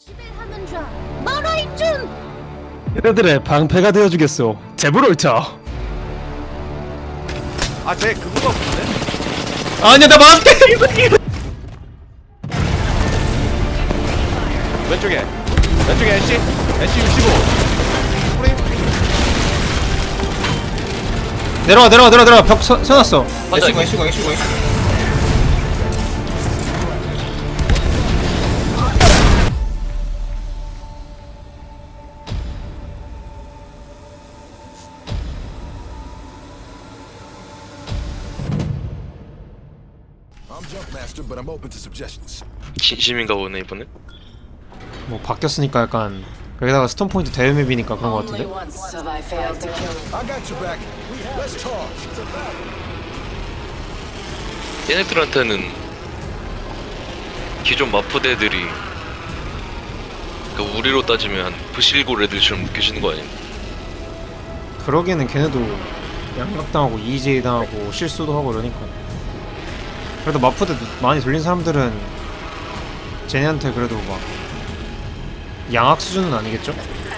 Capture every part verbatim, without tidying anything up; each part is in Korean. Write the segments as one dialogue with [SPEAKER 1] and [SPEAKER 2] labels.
[SPEAKER 1] 하는 자 말아이쯤
[SPEAKER 2] 얘네들의 방패가 되어주겠소. 제브롤터.
[SPEAKER 3] 아쟤 그거가 없는데?
[SPEAKER 2] 아니야 나 맞게.
[SPEAKER 3] 왼쪽에 왼쪽에 애쉬 애쉬 육십오 프레임
[SPEAKER 2] 내려와 내려와 내려와 내려와 벽 서, 세놨어.
[SPEAKER 4] 애쉬고 애쉬고 애쉬고 애쉬고
[SPEAKER 5] I'm Jumpmaster, but I'm open to suggestions.
[SPEAKER 6] 진심인가 보네 이번에.
[SPEAKER 2] 뭐 바뀌었으니까 약간 여기다가 스톤 포인트 대회 맵이니까 그런 거
[SPEAKER 7] Only
[SPEAKER 2] 같은데.
[SPEAKER 7] once have I failed to kill.
[SPEAKER 5] I got your back. Let's talk.
[SPEAKER 6] 얘네들한테는 기존 마프대들이 그러니까 우리로 따지면 한 부실골 애들처럼 느껴지는 거 아니야?
[SPEAKER 2] 그러기에는 걔네도 양각당하고 이지에이 당하고 실수도 하고 그러니까. 그래도 마프대 많이 돌린 사람들은 쟤네한테 그래도 막 양악 수준은 아니겠죠?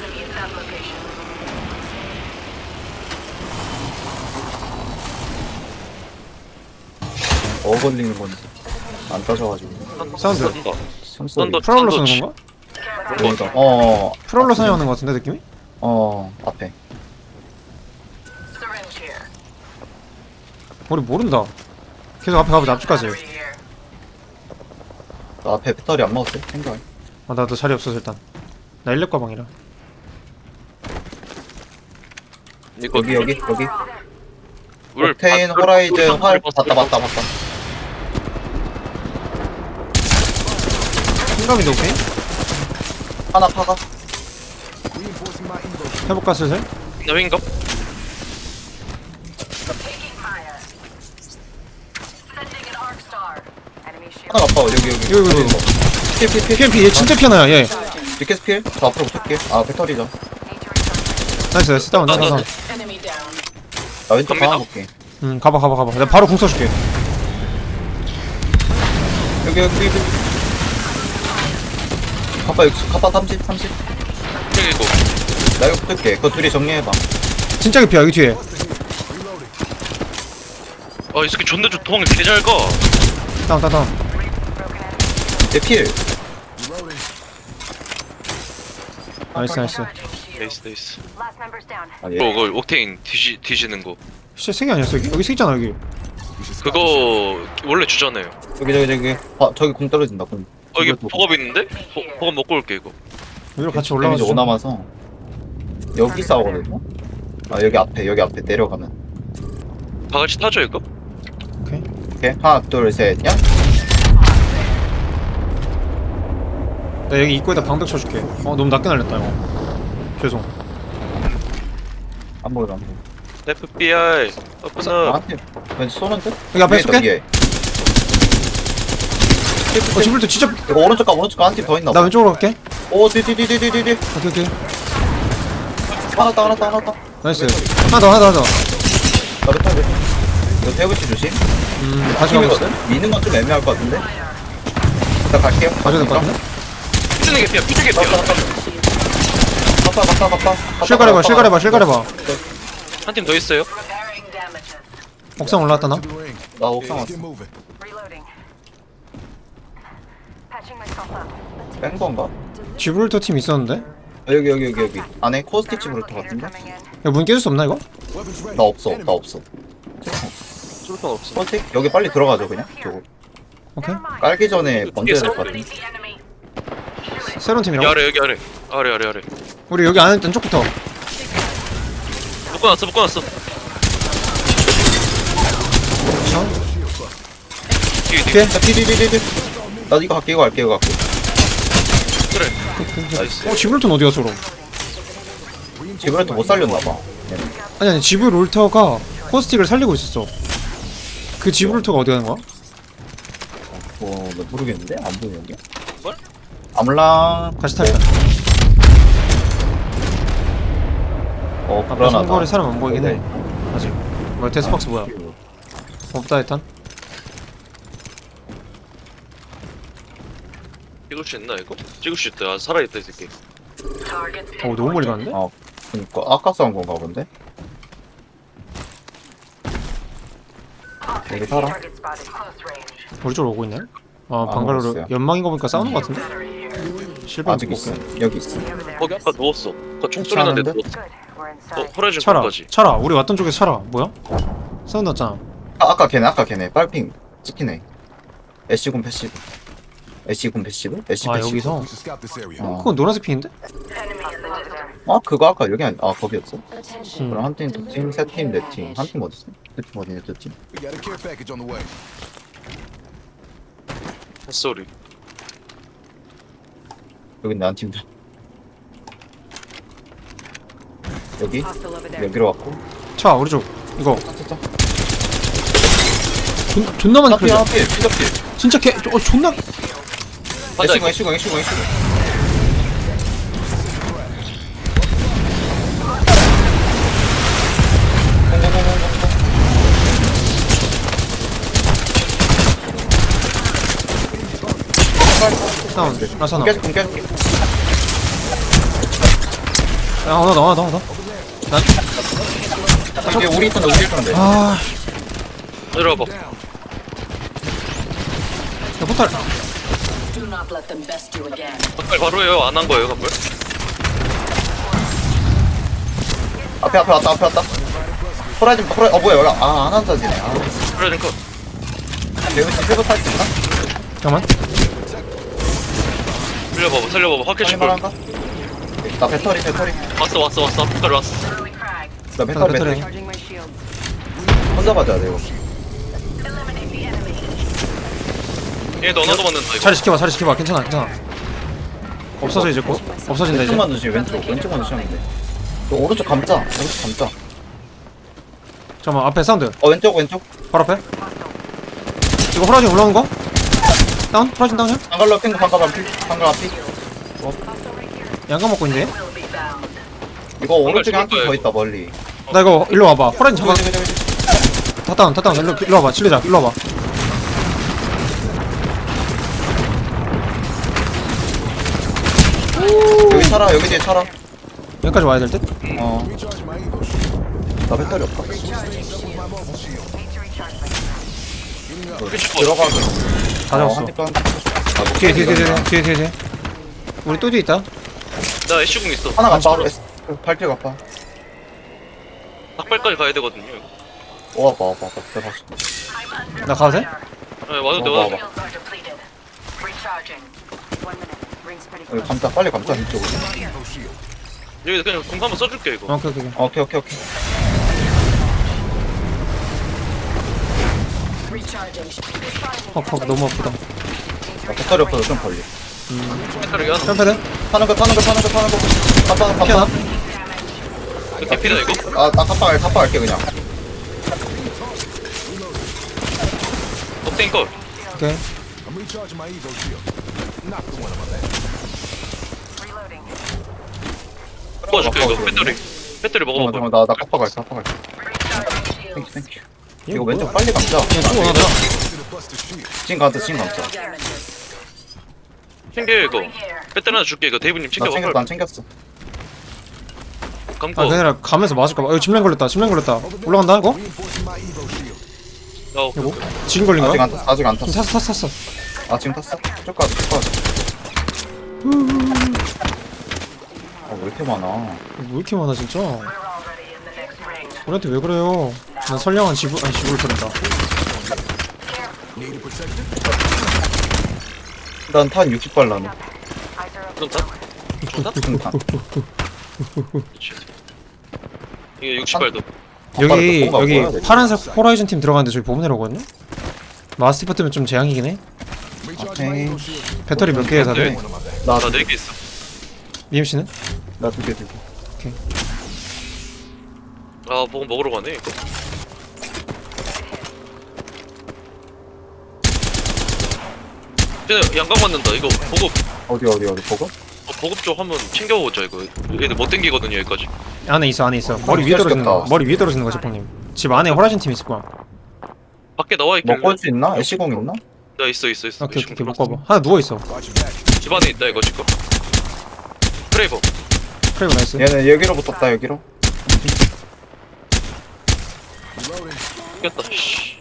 [SPEAKER 4] 뭐 걸리는 건지 안 따져가지고
[SPEAKER 2] 사운드
[SPEAKER 6] 썬더
[SPEAKER 4] 숨소리
[SPEAKER 6] 썬더
[SPEAKER 2] 프롤로
[SPEAKER 6] 썬더
[SPEAKER 2] 쓰는 건가?
[SPEAKER 4] 그러니까 어
[SPEAKER 2] 프롤로 사용하는 거 같은데 느낌이?
[SPEAKER 4] 어 앞에
[SPEAKER 7] Syringe here.
[SPEAKER 2] 우리 모른다. 계속 앞에 가보자. 앞쪽까지.
[SPEAKER 7] Battery here.
[SPEAKER 4] 나 앞에 배터리 안 먹었어 생각
[SPEAKER 2] 아 나도 자리 없어서 일단 나 일렙 가방이라.
[SPEAKER 6] 이거
[SPEAKER 4] 여기 여기 여기
[SPEAKER 6] 물
[SPEAKER 4] 옥테인
[SPEAKER 6] 바-
[SPEAKER 4] 호라이즌
[SPEAKER 6] 물
[SPEAKER 4] 활
[SPEAKER 6] 바-
[SPEAKER 4] 봤다 봤다 봤다
[SPEAKER 2] 흰감인데 오케이?
[SPEAKER 4] 하나 파가
[SPEAKER 5] Reinforcing my evo.
[SPEAKER 2] 해볼까 슬슬?
[SPEAKER 6] 나 윙갑?
[SPEAKER 7] Taking fire. Sending an arc star. Enemy shield.
[SPEAKER 4] 하나 아파 여기 여기
[SPEAKER 2] 이거 이거 이거
[SPEAKER 4] 필필필
[SPEAKER 2] 피엠피 얘 진짜 피하나야 얘.
[SPEAKER 4] 리켓 필? 저 앞으로 붙을게 아 배터리죠
[SPEAKER 7] Need to recharge.
[SPEAKER 2] 나이스 나이스 다운 다운 다운.
[SPEAKER 7] Enemy down.
[SPEAKER 4] 나 왼쪽
[SPEAKER 6] 갑니다.
[SPEAKER 4] 방아 볼게
[SPEAKER 2] 응 가봐 가봐 가봐. 내가 바로 궁 써줄게.
[SPEAKER 4] 여기 여기 여기 카파 육십 카파 삼십 삼십
[SPEAKER 6] 이거
[SPEAKER 4] 나 이거 붙을게 그거 둘이 정리해봐
[SPEAKER 2] 진짜 개피야 여기 뒤에.
[SPEAKER 6] 아이 새끼 존나 좋 도망을 개 잘 가.
[SPEAKER 2] 다운 다운 다운.
[SPEAKER 4] 내필
[SPEAKER 5] Reloading.
[SPEAKER 2] 나이스 나이스.
[SPEAKER 6] 네이스 네이스.
[SPEAKER 7] Last member's down.
[SPEAKER 4] 아,
[SPEAKER 6] 그거
[SPEAKER 4] 예.
[SPEAKER 6] 그거 옥테인 뒤지 뒤지는 거.
[SPEAKER 2] 진짜 세개 아니었어 여기? 여기 세 있잖아 여기.
[SPEAKER 5] We should stop
[SPEAKER 6] 그거 원래 주잖아요.
[SPEAKER 4] 여기 저기 저기 아 저기 공 떨어진다 공
[SPEAKER 6] 어 이게
[SPEAKER 4] 이거
[SPEAKER 6] 보갑 있는데? 보, 보갑 먹고 올게 이거.
[SPEAKER 2] 여기로 같이
[SPEAKER 4] 데미지
[SPEAKER 2] 올라가서
[SPEAKER 4] 오 남아서 여기 싸우거든요? 아 여기 앞에 여기 앞에 내려가면
[SPEAKER 6] 다 같이 타죠 이거?
[SPEAKER 2] 오케이.
[SPEAKER 4] 오케이 하나 둘셋 야?
[SPEAKER 2] 나 여기 입구에다 방벽 쳐줄게. 어 너무 낮게 날렸다 이거. 죄송.
[SPEAKER 4] 안 보여 안 보여
[SPEAKER 6] 에프비아이 오픈업.
[SPEAKER 4] 나한테 왠지 쏘는데?
[SPEAKER 2] 여기 앞에
[SPEAKER 4] 위에 있다,
[SPEAKER 2] 쏠게?
[SPEAKER 4] 위에.
[SPEAKER 2] 어 지불도 진짜.
[SPEAKER 4] 이거 오른쪽 가 오른쪽 가한팀 더 있나
[SPEAKER 2] 나
[SPEAKER 4] 봐
[SPEAKER 2] 왼쪽으로 갈게.
[SPEAKER 4] 오 뒤뒤뒤뒤뒤뒤
[SPEAKER 2] 오케이 오케이.
[SPEAKER 4] 하나 더 하나 더 하나 더
[SPEAKER 2] 나이스. 하나 더 하나 더 하나 더.
[SPEAKER 4] 나 배터리 이거 태우치 조심
[SPEAKER 2] 음 다시 가고 있어.
[SPEAKER 4] 팀이거든? 미는 건 좀 애매할 것 같은데 일단 갈게요
[SPEAKER 2] 가져야 될 것 같은데?
[SPEAKER 6] 피드는 개피야 피드 개피야.
[SPEAKER 4] 갔다 갔다 갔다 갔다
[SPEAKER 2] 실가려봐 실가려봐 실가려봐.
[SPEAKER 6] 한 팀 더 있어요.
[SPEAKER 7] Repairing damages.
[SPEAKER 2] 옥상 올라왔다 나.
[SPEAKER 5] to the ring.
[SPEAKER 4] 나 옥상
[SPEAKER 5] Let's
[SPEAKER 4] 왔어
[SPEAKER 5] get moving.
[SPEAKER 7] Reloading. Patching myself up.
[SPEAKER 4] 뺀 건가?
[SPEAKER 2] 지브롤터 팀 있었는데?
[SPEAKER 4] 아, 여기 여기 여기 여기 안에 코스티치 브루터 같은데?
[SPEAKER 7] Coming in.
[SPEAKER 2] 야 문 깨질 수 없나 이거?
[SPEAKER 5] Weapons ready.
[SPEAKER 4] 나 없어
[SPEAKER 5] Enemy.
[SPEAKER 4] 나 없어
[SPEAKER 6] 쏠탄 없어.
[SPEAKER 4] 코스티? 여기 빨리 들어가죠 그냥 저거
[SPEAKER 2] 오케이.
[SPEAKER 4] 깔기 전에 번져야 될 것 같은데
[SPEAKER 7] The enemy.
[SPEAKER 2] 새로운
[SPEAKER 6] 여기
[SPEAKER 2] 팀이라고?
[SPEAKER 6] 아래 여기 아래 아래 아래 아래.
[SPEAKER 2] 우리 여기 안, 안쪽부터.
[SPEAKER 6] 묶어놨어 묶어놨어. 뒤에 뒤에.
[SPEAKER 2] 뒤에?
[SPEAKER 4] 자 디디디디디 나도 이거 갈게 이거 갈게 이거 갈게
[SPEAKER 6] 그래. 나이스.
[SPEAKER 2] 어 지브롤터는 어디 갔어 그럼?
[SPEAKER 4] 지브레트 못 살렸나봐
[SPEAKER 2] 아니 아니 지브롤터가 코스틱을 살리고 있었어. 그 지브롤터가 어디 가는 거야?
[SPEAKER 4] 어, 나 모르겠는데? 안 보이는데?
[SPEAKER 6] 뭘?
[SPEAKER 4] 암랑
[SPEAKER 2] 같이 타있다.
[SPEAKER 4] 어
[SPEAKER 2] 아까
[SPEAKER 4] 불안하다
[SPEAKER 2] 선거리 사람 안 보이긴 해.
[SPEAKER 4] 네.
[SPEAKER 2] 아직. 뭐야 데스박스 뭐야? 없다 일단.
[SPEAKER 6] 찍을 수 있나 이거? 찍을 수 있다. 아, 살아있다 이 새끼.
[SPEAKER 7] Targets
[SPEAKER 2] 어 너무 멀리 갔는데?
[SPEAKER 4] 어 그니까 아까 싸운 건가 본데? 여기 살아?
[SPEAKER 7] target spotted close range.
[SPEAKER 2] 우리 쪽으로 오고 있네? 아
[SPEAKER 4] 안
[SPEAKER 2] 방갈로로
[SPEAKER 4] 먹었어요.
[SPEAKER 2] 연막인 거 보니까 싸우는 거 같은데?
[SPEAKER 7] Battery here.
[SPEAKER 2] 실버
[SPEAKER 4] 아직 있어 여기 있어
[SPEAKER 7] Over there.
[SPEAKER 6] 거기 아까 누웠어. 그 총소리 나는데
[SPEAKER 4] 괜찮은데?
[SPEAKER 6] 누웠어.
[SPEAKER 7] Good. We're
[SPEAKER 6] 어
[SPEAKER 7] inside.
[SPEAKER 6] 호라이즌
[SPEAKER 2] 차라
[SPEAKER 6] 까지.
[SPEAKER 2] 차라 우리 왔던 쪽에 차라 뭐야? 사운드 났잖아.
[SPEAKER 4] 아, 아까 걔네 아까 걔네 빨핑 찍히네 애쉬군 패시브 애쉬군 패시브? 애쉬
[SPEAKER 2] 아
[SPEAKER 4] 패시브
[SPEAKER 2] 여기서?
[SPEAKER 5] We should scout this area.
[SPEAKER 4] 어.
[SPEAKER 2] 그건 노란색 핑인데?
[SPEAKER 7] Enemy in the distance.
[SPEAKER 4] 아 그거 아까 여기 아니 아 거기였어?
[SPEAKER 2] 음.
[SPEAKER 4] 그럼 한 팀, 두 팀, 세 팀, 네 팀. 한 팀 어딨어? 두 팀 어디냐, 두 팀?
[SPEAKER 5] We got a care package on the way.
[SPEAKER 6] 햇소리.
[SPEAKER 4] 여기 난 팀들. 여기?
[SPEAKER 7] Hostile over there.
[SPEAKER 4] 여기로 왔고.
[SPEAKER 2] 차 우리 쪽 이거
[SPEAKER 4] 짜짜짜.
[SPEAKER 2] 존, 존나 많이
[SPEAKER 4] 하필,
[SPEAKER 2] 그려져.
[SPEAKER 4] 하필, 피더필.
[SPEAKER 2] 진짜 개 어, 존나
[SPEAKER 6] 맞아,
[SPEAKER 4] 애쉬군,
[SPEAKER 6] 이거.
[SPEAKER 4] 애쉬군, 애쉬군, 애쉬군.
[SPEAKER 2] 사운드 라사나.
[SPEAKER 4] 깨줄게, 공 깨줄게.
[SPEAKER 2] 야 하나 더 하나 더 하나 더.
[SPEAKER 4] 이게 우리 있던데, 우리 있던데.
[SPEAKER 2] 아,
[SPEAKER 6] 내려와봐.
[SPEAKER 2] 야 포탈.
[SPEAKER 7] Do not let them best you again.
[SPEAKER 6] 갑발 바로 해요. 안 한 거예요 갑발.
[SPEAKER 4] 앞에, 앞에 왔다, 앞에 왔다. 호라이즌, 호라이, 어, 뭐야, 여기. 아, 안 한다지네. 아,
[SPEAKER 6] 호라이즌 컷.
[SPEAKER 4] 여기 집에서 탈 수 있나?
[SPEAKER 2] 잠깐만.
[SPEAKER 6] 살려봐봐 살려봐봐. 확해
[SPEAKER 4] 빨리
[SPEAKER 6] 줄 걸.
[SPEAKER 4] 말한가? 나 배터리, 배터리.
[SPEAKER 6] 왔어 왔어 왔어. 앞까지 왔어.
[SPEAKER 7] Early frag.
[SPEAKER 4] 나 배터리,
[SPEAKER 2] 배터리.
[SPEAKER 4] 배터리.
[SPEAKER 7] Charging my shields.
[SPEAKER 4] 혼자 맞아야 돼, 이거.
[SPEAKER 7] Eliminate the enemy.
[SPEAKER 6] 얘 너나도 맞는다 이거.
[SPEAKER 2] 자리 지켜봐 자리 지켜봐 괜찮아 괜찮아. 없어져 이제 곧 없어진다 이제.
[SPEAKER 4] 왼쪽만 조심, 왼쪽. 왼쪽만 조심하면 돼. 너 오른쪽 감자. 오른쪽 감자.
[SPEAKER 2] 잠깐만 앞에 사운드
[SPEAKER 4] 어, 왼쪽, 왼쪽.
[SPEAKER 2] 바로 앞에. 이거 호라진 올라오는 거? 다운? 호라진 다운이야?
[SPEAKER 4] 방갈로 핑크, 방갈 앞이. 방갈 앞이.
[SPEAKER 2] 양감 먹고 있는데?
[SPEAKER 7] Will be found.
[SPEAKER 4] 이거 오른쪽에 한 팀
[SPEAKER 6] 죽을
[SPEAKER 4] 더
[SPEAKER 6] 거야,
[SPEAKER 4] 있다, 멀리.
[SPEAKER 2] 나 이거 일로 와봐. 호라진 잡아.
[SPEAKER 4] 저기, 저기, 저기, 저기.
[SPEAKER 2] 다 다운 다 다운 일로 일로 와봐. 칠리자 일로 와봐.
[SPEAKER 4] 여기 살아, 여기 뒤에 살아.
[SPEAKER 2] 여기까지 와야 될 듯?
[SPEAKER 4] 어,
[SPEAKER 5] Recharge my evo shield.
[SPEAKER 4] 나 배터리 없다.
[SPEAKER 5] With my mobile shield.
[SPEAKER 7] Need to recharge my shields.
[SPEAKER 5] Getting up.
[SPEAKER 6] 끝이
[SPEAKER 4] 들어가게.
[SPEAKER 2] 다
[SPEAKER 4] 어,
[SPEAKER 2] 잡았어.
[SPEAKER 4] 한 팀, 한 팀. 아,
[SPEAKER 2] 뒤에 뒤에 뒤에 뒤에 뒤에 뒤에 뒤에. 우리 또 뒤에 있다.
[SPEAKER 6] 나 애쉬궁 있어.
[SPEAKER 4] 하나 가빠. 발길 가빠.
[SPEAKER 6] 닭발까지 가야 되거든요. 이거.
[SPEAKER 4] 와봐, 와봐, 와봐. 들어갔어.
[SPEAKER 2] 나 가도 돼?
[SPEAKER 6] 네, 와도 돼
[SPEAKER 4] 어,
[SPEAKER 6] 와도 돼.
[SPEAKER 4] 봐봐.
[SPEAKER 7] Shields are depleted. Recharging. One minute. Rings pretty
[SPEAKER 4] 여기
[SPEAKER 7] close.
[SPEAKER 4] 감자, 빨리 감자, 이쪽으로.
[SPEAKER 5] Evo shield.
[SPEAKER 6] 여기 그냥 궁 한번 써줄게 이거.
[SPEAKER 2] 어, 오케이 오케이. 오케이.
[SPEAKER 4] 오케이, 오케이, 오케이.
[SPEAKER 7] Recharging.
[SPEAKER 2] 헉헉 너무 아프다.
[SPEAKER 4] 나 배터리 없어서 좀 걸리.
[SPEAKER 6] 배터리 하나.
[SPEAKER 2] 점프대?
[SPEAKER 4] 타는 거, 타는 거, 타는 거, 타는 거. 감자,
[SPEAKER 2] 피하나?
[SPEAKER 4] 감자.
[SPEAKER 6] 이거 개피다 이거.
[SPEAKER 4] 아, 나 갑바 갈, 갑바 갈게, 그냥.
[SPEAKER 6] 옥테인 걸.
[SPEAKER 2] 오케이.
[SPEAKER 5] I'm recharging my evo shield. Knock the one on my back.
[SPEAKER 7] Reloading.
[SPEAKER 6] 먹어줄게 이거. 배터리. 배터리
[SPEAKER 4] 잠깐만,
[SPEAKER 6] 먹어봐.
[SPEAKER 4] 잠깐만, 나, 나 갑바 갈게, 갑바 갈게.
[SPEAKER 7] Recharging shields.
[SPEAKER 4] 땡큐, 땡큐. 이거 왼쪽 빨리 감자.
[SPEAKER 2] 그냥 또 하나 더.
[SPEAKER 5] Should have busted shield.
[SPEAKER 4] 진 감자, 진 감자.
[SPEAKER 7] Damages.
[SPEAKER 6] 챙겨 이거. 배터리 하나 줄게 이거. 데이브님
[SPEAKER 4] 나
[SPEAKER 6] 챙겨봐.
[SPEAKER 4] 챙겼어, 난 챙겼어.
[SPEAKER 6] 감고.
[SPEAKER 2] 아 그게 아니라 가면서 맞을까봐. 여기 집랭 걸렸다. 집랭 걸렸다. 올라간다 이거?
[SPEAKER 5] Reinforcing my evo shield.
[SPEAKER 6] 야, 오케이,
[SPEAKER 2] 이거?
[SPEAKER 6] 오케이.
[SPEAKER 2] 지금 걸린
[SPEAKER 4] 아직
[SPEAKER 2] 거야?
[SPEAKER 4] 안 탔어, 아직 안
[SPEAKER 2] 지금
[SPEAKER 4] 탔어.
[SPEAKER 2] 탔어 탔어 탔어.
[SPEAKER 4] 아, 지금 탔어? 쭉 가자, 쭉 가자. 아, 왜 이렇게 많아?
[SPEAKER 2] 왜 이렇게 많아 진짜?
[SPEAKER 7] We're already in the next ring.
[SPEAKER 2] 우리한테 왜 그래요? 난 선량한 지부 아니 지부를 터낸다.
[SPEAKER 5] Need it protected?
[SPEAKER 4] 난 탄 육십 발 나네.
[SPEAKER 7] Eyes are
[SPEAKER 6] 그럼
[SPEAKER 7] open.
[SPEAKER 6] 다?
[SPEAKER 4] 응, 탄.
[SPEAKER 6] 이게 육십 발도.
[SPEAKER 2] 여기
[SPEAKER 4] 뭔가
[SPEAKER 2] 여기
[SPEAKER 4] 뭐야,
[SPEAKER 2] 파란색 호라이즌 팀 들어가는데 저기 보면 내려오거든요? 마스티프 때문에 좀 재앙이긴 해.
[SPEAKER 5] Recharging my
[SPEAKER 4] Okay.
[SPEAKER 5] evo shield.
[SPEAKER 2] 배터리 몇 개에 다들?
[SPEAKER 6] 네.
[SPEAKER 5] One on my back.
[SPEAKER 4] 나,
[SPEAKER 6] 나 네 개 있어.
[SPEAKER 2] 미엠씨는?
[SPEAKER 4] 나 두 개, 두 개.
[SPEAKER 6] 아, 뭐 먹으러 가네 이거. 쟤 양각 맞는다. 이거 보급.
[SPEAKER 4] 어디, 어디, 어디, 보고?
[SPEAKER 6] 어, 보급 쪽 한번 챙겨보자 이거. 얘들 못 땡기거든요 여기까지.
[SPEAKER 2] 안에 있어 안에 있어. 머리 위에 떨어지는 거. 머리 위에 떨어지는 거 제빵님. 집 안에 호라이즌 팀 있을 거야.
[SPEAKER 6] 밖에 나와 있길래.
[SPEAKER 4] 먹고 올 수 있나? 애쉬공 있나?
[SPEAKER 6] 나 있어 있어 있어.
[SPEAKER 2] 오케이 오케이 오케이 못 가봐. 하나 누워 있어.
[SPEAKER 5] Watch your back.
[SPEAKER 6] 집 안에 있다 이거 지금. 프레이버.
[SPEAKER 2] 프레이브 나이스.
[SPEAKER 4] 얘는 여기로 붙었다 여기로.
[SPEAKER 6] 이겼다. 씨.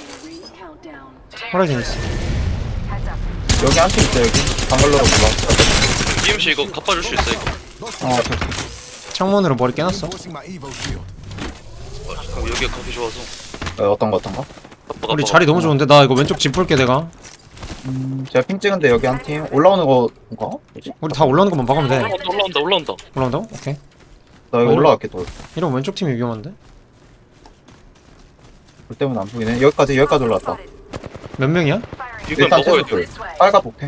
[SPEAKER 2] 호라이즌 있어.
[SPEAKER 4] 여기 한 팀 있어 여기. 방글로로 올라.
[SPEAKER 6] 이엠씨 이거 갚아줄 수 있어 이거.
[SPEAKER 4] 어 오케이, 오케이.
[SPEAKER 2] 창문으로 머리 깨놨어.
[SPEAKER 5] Reinforcing my Evo shield.
[SPEAKER 6] 어, 여기가 가기 좋아서.
[SPEAKER 4] 어, 어떤 거 어떤 거?
[SPEAKER 6] 갚아,
[SPEAKER 2] 우리
[SPEAKER 6] 갚아.
[SPEAKER 2] 자리 너무 좋은데 나 이거 왼쪽 집 볼게 내가.
[SPEAKER 4] 음, 제가 핑 찍은데 여기 한 팀 올라오는 거인가? 뭐지?
[SPEAKER 2] 우리 다 올라오는 것만 박으면 돼.
[SPEAKER 6] 올라온다 올라온다 올라온다.
[SPEAKER 2] 올라온다고? 오케이.
[SPEAKER 4] 나 여기
[SPEAKER 2] 어,
[SPEAKER 4] 올라갈게 또.
[SPEAKER 2] 이러면 왼쪽 팀이 위험한데?
[SPEAKER 4] 불 때문에 안 보이네. 여기까지 여기까지 올라왔다.
[SPEAKER 2] 몇 명이야?
[SPEAKER 6] 이걸
[SPEAKER 4] 일단
[SPEAKER 6] 먹어야
[SPEAKER 4] 최소
[SPEAKER 6] 돼.
[SPEAKER 4] 둘. 빨가 복해.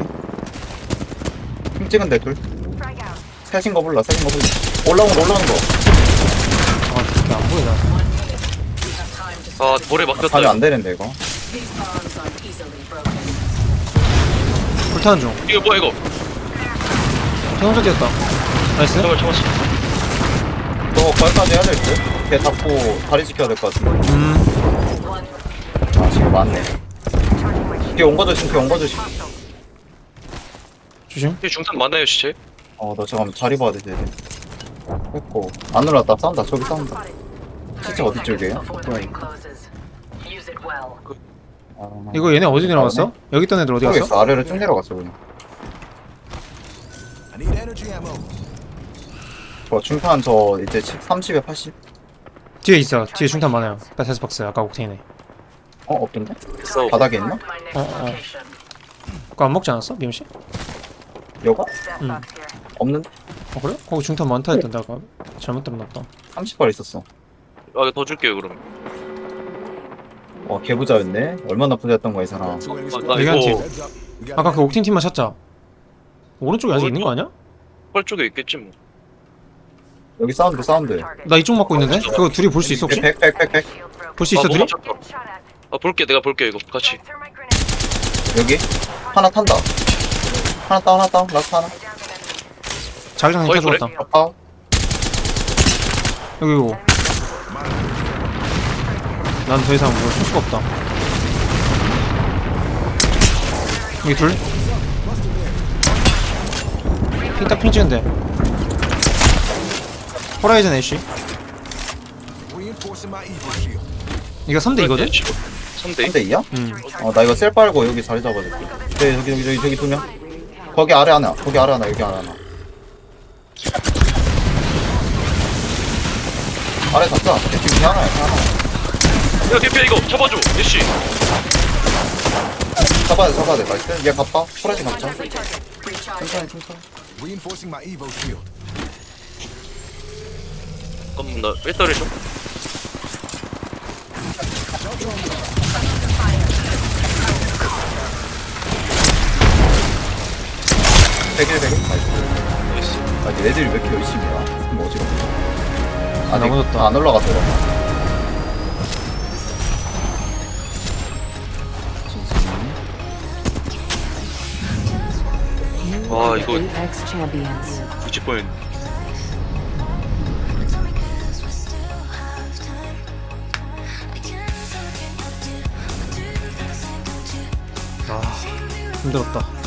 [SPEAKER 4] 핑 찍은데 둘. 셋인 거 몰라. 셋인 거 몰라. 올라오는 거 올라오는 거.
[SPEAKER 2] 아 그렇게 안 보이나.
[SPEAKER 6] 아 볼에 막혔다.
[SPEAKER 4] 가면 안 되는데 이거.
[SPEAKER 7] These bombs aren't easily broken.
[SPEAKER 2] 불타는 중.
[SPEAKER 6] 이거 뭐야 이거?
[SPEAKER 2] 태용자 뛰었다. 나이스.
[SPEAKER 6] 잠깐만 잠깐만.
[SPEAKER 4] 너 거기까지 해야 될 듯? 걔 잡고 다리 지켜야 될 것 같은데.
[SPEAKER 2] 음.
[SPEAKER 4] 아 지금 맞네. 걔 온 거 조심. 걔 온 거 조심.
[SPEAKER 2] 조심.
[SPEAKER 6] 이 중탄 많아요 시체.
[SPEAKER 4] 어너 잠깐만 자리 봐야 돼. 쟤. 했고 안 올랐다. 싸운다. 저기 싸운다. 시체 어디 쪽이에요?
[SPEAKER 7] Before the ring closes. Use it well.
[SPEAKER 4] 아,
[SPEAKER 2] 이거 얘네 어디 내려갔어? 여기 있던 애들 어디 갔어?
[SPEAKER 4] 모르겠어. 아래로 쭉 내려갔어 그냥.
[SPEAKER 5] I need energy ammo.
[SPEAKER 4] 저 중탄 저 이제 삼십에 팔십?
[SPEAKER 2] 뒤에 있어. 뒤에 중탄 많아요. 패스 박스 아까 옥테인에.
[SPEAKER 4] 어 없던데?
[SPEAKER 6] 싸우.
[SPEAKER 4] 바닥에 있나?
[SPEAKER 7] Mark my next
[SPEAKER 2] 어, 어.
[SPEAKER 7] location.
[SPEAKER 2] 그거 안 먹지 않았어? 미엠씨?
[SPEAKER 4] 여가?
[SPEAKER 7] Step
[SPEAKER 2] Mm.
[SPEAKER 7] up here.
[SPEAKER 4] 없는데?
[SPEAKER 2] 어 그래? 거기 중탄 많다 했던데 아까. 잘못 들었나보다.
[SPEAKER 4] 삼십 발 있었어.
[SPEAKER 6] 아, 더 줄게요 그럼.
[SPEAKER 4] 와 개부자였네. 얼마나 부자였던 거야 이 사람.
[SPEAKER 5] Two enemies
[SPEAKER 6] 아,
[SPEAKER 5] spotted.
[SPEAKER 6] 나
[SPEAKER 2] 여기 한
[SPEAKER 6] 이거
[SPEAKER 2] 팀.
[SPEAKER 5] Heads up. We got
[SPEAKER 2] 아까 그 옥틴 팀만 찾자. 오른쪽에 아직 있는 거 아니야?
[SPEAKER 6] 펄 쪽에 있겠지 뭐.
[SPEAKER 4] 여기 사운드 사운드.
[SPEAKER 2] 나 이쪽 맞고 있는데? 그거 둘이 볼 수 있어 혹시?
[SPEAKER 4] 백백백백
[SPEAKER 2] 볼 수 있어
[SPEAKER 6] 아,
[SPEAKER 2] 둘이?
[SPEAKER 6] 뭐가 잡혀. 아 볼게 내가 볼게 이거 같이.
[SPEAKER 4] 여기 하나 탄다. 하나 다운 하나 다운 라스트 하나.
[SPEAKER 2] 자기장님
[SPEAKER 6] 거의
[SPEAKER 2] 타 죽었다.
[SPEAKER 4] 다운.
[SPEAKER 2] 여기 이거. 난 더 이상 뭘 칠 수가 없다. 여기 둘. 핑딱 핑 찍은데. 호라이즌 애쉬.
[SPEAKER 5] reinforcing my Evo shield.
[SPEAKER 2] 이거 삼 대 이거든?
[SPEAKER 6] 삼 대.
[SPEAKER 4] 삼 대 이야?
[SPEAKER 2] 응.
[SPEAKER 4] 어 나 이거 셀 빨고 여기 자리 잡아줄게. 네 여기 여기 저기 저기 두 명. 거기 아래 하나. 거기 아래 하나. 여기 아래 하나. 아래 잡자. 지금 이 하나야. 이 하나.
[SPEAKER 6] 야 대피야 이거 잡아줘. 예씨.
[SPEAKER 4] 잡아야 돼 잡아야 돼. 나이스. 얘 갑바. 프라이즈 갑자.
[SPEAKER 7] Recharging.
[SPEAKER 4] 천천히 천천히.
[SPEAKER 5] Reinforcing my Evo shield.
[SPEAKER 6] 잠깐만 나 배터리 좀.
[SPEAKER 4] 백일 백일. 나이스.
[SPEAKER 6] 나이스.
[SPEAKER 4] 아 얘네들이 왜 이렇게 열심히 해? 좀 어지럽네. 아직
[SPEAKER 2] 넘어졌다.
[SPEAKER 4] 안 올라가더라.
[SPEAKER 6] 와 이거
[SPEAKER 7] Apex champions.
[SPEAKER 6] 뒤집 뻔했네.
[SPEAKER 2] 아 힘들었다.